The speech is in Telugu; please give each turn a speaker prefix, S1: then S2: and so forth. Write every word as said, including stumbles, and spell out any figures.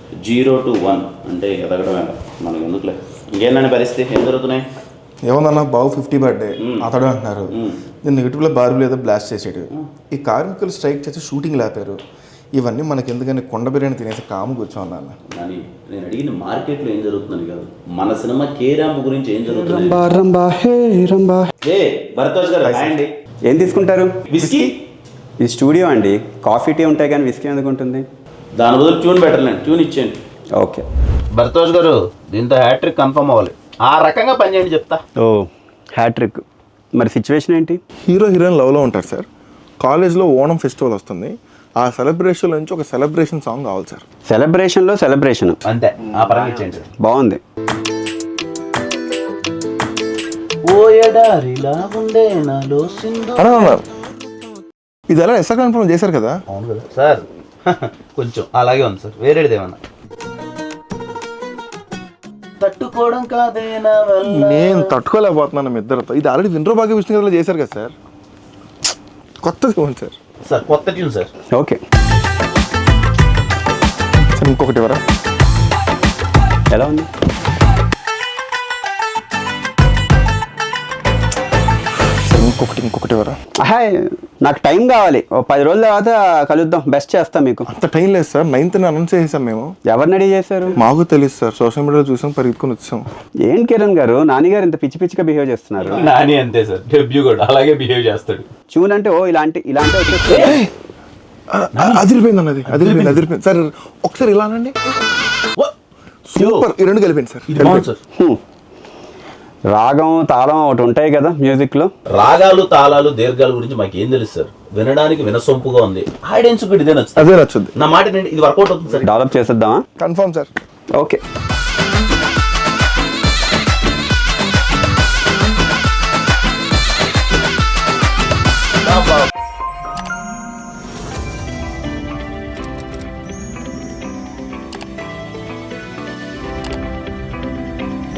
S1: జీరో టు వన్ అంటే ఎదగడమే మనకి ఎందుకులే. ఇంకేంటంటే పరిస్థితి ఏం జరుగుతున్నాయి?
S2: ఏముందన్న బాబు ఫిఫ్టీ బర్త్డే అతడు అంటున్నారు. నేను నెగిటివ్లో బార్బులు ఏదో బ్లాస్ట్ చేసాడు. ఈ కార్మికులు స్ట్రైక్ చేసి షూటింగ్ లేపారు. ఇవన్నీ మనకి ఎందుకని కొండ బిర్యానీ తినేసి కాము కూర్చోన్నాను.
S1: కానీ నేను అడిగిన మార్కెట్లో ఏం జరుగుతుందని కాదు, మన సినిమా కే ర్యాంప్ గురించి ఏం జరుగుతుంది. ఏ భరద్వాజ్ గారు అండి,
S3: ఏం తీసుకుంటారు?
S1: విస్కీ.
S3: ఇది స్టూడియో అండి, కాఫీ టీ ఉంటాయి కానీ విస్కీ ఎందుకు ఉంటుంది?
S1: దాని బదులు ట్యూన్ బెటర్లేండి, ట్యూన్ ఇచ్చేయండి.
S3: ఓకే
S1: భరద్వాజ్ గారు, దీంతో హ్యాట్రిక్ కన్ఫర్మ్ అవ్వాలి. ఆ రకంగా పనిచేయండి చెప్తా.
S3: ఓ హ్యాట్రిక్. మరి సిచ్యువేషన్ ఏంటి?
S2: హీరో హీరోయిన్ లవ్లో ఉంటారు సార్. కాలేజ్లో ఓణం ఫెస్టివల్ వస్తుంది. ఆ సెలబ్రేషన్ నుంచి ఒక సెలబ్రేషన్ సాంగ్ కావాలి సార్.
S3: సెలబ్రేషన్లో సెలబ్రేషన్
S1: అంతే, ఆ పరంగా ఇచ్చేయండి.
S3: బాగుంది.
S2: ఇది ఎలా ఎస్ఆర్ కన్ఫర్మ్ చేశారు కదా?
S1: అవును కదా సార్, కొంచెం అలాగే ఉంది సార్. వేరేది ఏమన్నా తట్టుకోవడం కాదేనా?
S2: నేను తట్టుకోలేకపోతున్నాను మీ ఇద్దరితో. ఇది ఆల్రెడీ విండ్రో భాగ్య విష్ణు గారిలో చేశారు కదా సార్. కొత్తది ఇవ్వండి సార్.
S1: సార్ కొత్త ట్యూన్ సార్.
S3: ఓకే
S2: సార్ ఇంకొకటి ఎవరా?
S3: ఎలా ఉంది?
S2: సార్ ఇంకొకటి ఇంకొకటి ఎవరా?
S3: హాయ్, నాకు టైం కావాలి. ఓ పది రోజుల తర్వాత కలుద్దాం. బెస్ట్ చేస్తాం మీకు.
S2: అంత టైం లేదు సార్. నైన్త్ అనౌన్స్ చేసాం మేము.
S3: ఎవరిని రెడీ చేశారు?
S2: మాకు తెలుసు సార్, సోషల్ మీడియాలో చూసాం, పరిగెత్తుకుని వచ్చాం.
S3: ఏం కిరణ్ గారు, నాని గారు ఇంత పిచ్చి పిచ్చిగా బిహేవ్ చేస్తున్నారు.
S1: నాని అంతే సార్, డెబ్యూ కూడా అలాగే బిహేవ్ చేస్తాడు.
S3: చూన్ అంటే ఓ ఇలాంటి ఇలాంటి వచ్చేసి
S2: అదిరిపోయింది అన్నది, అదిరిపోయింది అదిరిపోయింది సార్. ఒకసారి ఇలా అనండి. సూపర్. ఈ రెండు కలిపోయింది సార్.
S1: ఇది బాగుంది సార్.
S3: రాగం తాళం ఒకటి ఉంటాయి కదా మ్యూజిక్ లో.
S1: రాగాలు తాళాలు దీర్ఘాల గురించి మాకు ఏం తెలుసు సార్. వినడానికి వినసొంపుగా ఉంది. ఆడియన్స్ కూడా ఇదే నచ్చుతుంది.
S2: అదే నచ్చుద్ది.
S1: నా మాట ఇది వర్కౌట్ అవుతుంది సార్.
S3: డెవలప్ చేసేద్దామా?
S2: Confirm sir.
S3: ఓకే.